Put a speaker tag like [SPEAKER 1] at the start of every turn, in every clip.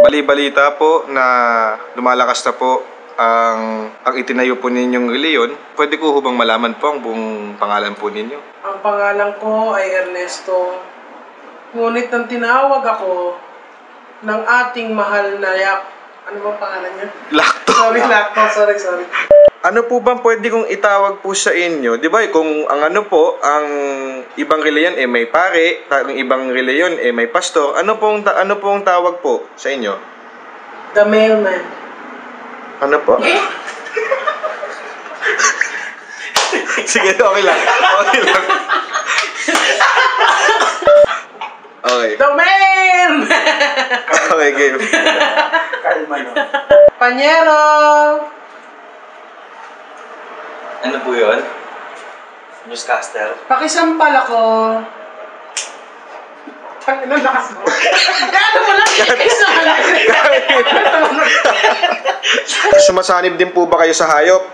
[SPEAKER 1] Bali-balita po na lumalakas na po ang itinayo po ninyong reliyon. Pwede ko hubang malaman po ang buong pangalan po ninyo?
[SPEAKER 2] Ang pangalan ko ay Ernesto. Ngunit nang tinawag ako ng ating mahal na ano ba pangalan niya?
[SPEAKER 1] Lacto.
[SPEAKER 2] Sorry.
[SPEAKER 1] Ano po bang pwede kong itawag po sa inyo? Di ba kung ang ang ibang reliyon may pare, ang ibang reliyon may pastor, ano pong tawag po sa inyo?
[SPEAKER 2] The mailman.
[SPEAKER 1] Ano po? Sige, okay lang. Okay.
[SPEAKER 2] The mailman!
[SPEAKER 1] Okay, game.
[SPEAKER 3] Kalma no.
[SPEAKER 2] Panyero!
[SPEAKER 3] Ano po yun? Newscaster?
[SPEAKER 2] Pakisampal ako. Ano lakas mo? Ano mo lang?
[SPEAKER 1] Sumasanib din po ba kayo sa hayop?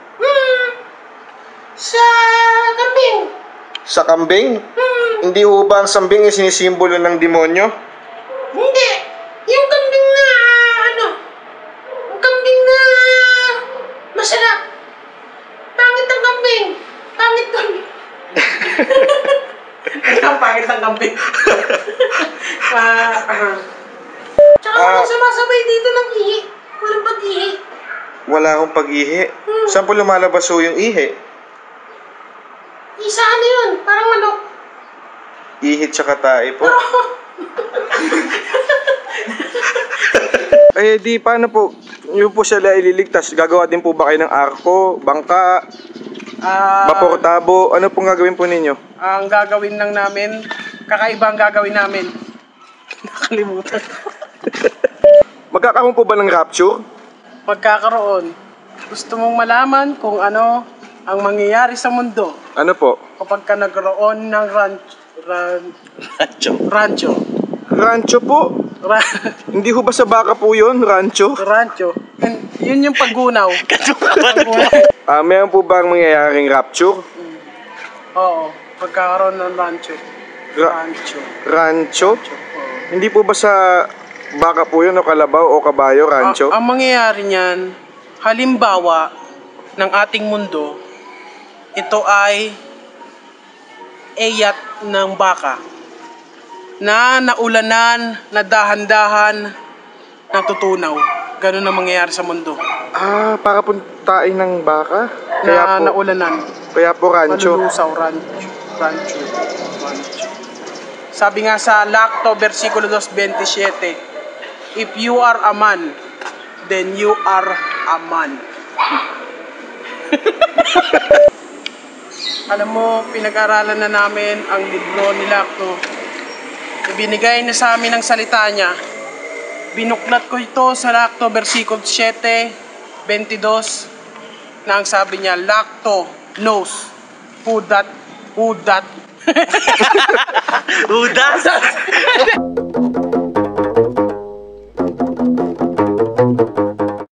[SPEAKER 2] Sa kambing.
[SPEAKER 1] Sa kambing? Hindi ho ba ang sambing sinisimbolo ng demonyo?
[SPEAKER 2] Hindi. Yung kambing na yung kambing na masarap. Pangit ang kambing. Pangit kambing. Ang pangit ang kambing. Tsaka walang sumasabay dito ng ihi. Walang pag-ihi.
[SPEAKER 1] Wala akong pag-ihi. Saan po lumalabas ho yung ihi?
[SPEAKER 2] Isa ano yun? Parang manok.
[SPEAKER 1] Ihi tsaka tae po. Eh di paano po? Yung po sila ililigtas. Gagawa din po ba kayo ng arko, bangka, vapor tabo? Ano pong gagawin po ninyo?
[SPEAKER 2] Ang gagawin lang namin, kakaiba ang gagawin namin. Nakalimutan.
[SPEAKER 1] Magkakaroon po ba ng rapture?
[SPEAKER 2] Magkakaroon. Gusto mong malaman kung ano ang mangyayari sa mundo
[SPEAKER 1] Ano po?
[SPEAKER 2] kapag ka nagkaroon ng rancho.
[SPEAKER 1] Rancho po? Hindi ho ba sa baka po yun, rancho?
[SPEAKER 2] Rancho. And yun yung paggunaw.
[SPEAKER 1] Meron po ba ang mangyayaring rapture?
[SPEAKER 2] Oo. Pagkakaroon ng rancho.
[SPEAKER 1] Rancho?
[SPEAKER 2] Oo.
[SPEAKER 1] Hindi po ba sa baka po yun o kalabaw o kabayo, rancho?
[SPEAKER 2] Ang mangyayari niyan, halimbawa ng ating mundo, ito ay eyat ng baka na naulanan, na dahan-dahan, natutunaw. Ganun ang mangyayari sa mundo.
[SPEAKER 1] Para puntain ng baka?
[SPEAKER 2] Na naulanan.
[SPEAKER 1] Kaya po rancho.
[SPEAKER 2] Malulusaw, rancho. Sabi nga sa Lacto, versikulo 2:27, if you are a man, then you are a man. Alam mo, pinag-aralan na namin ang libro ni Lacto. Ibinigay na sa amin ang salita niya. Binuklat ko ito sa Lacto, versikulo 7:22, na ang sabi niya, Lacto knows who that
[SPEAKER 3] Uda?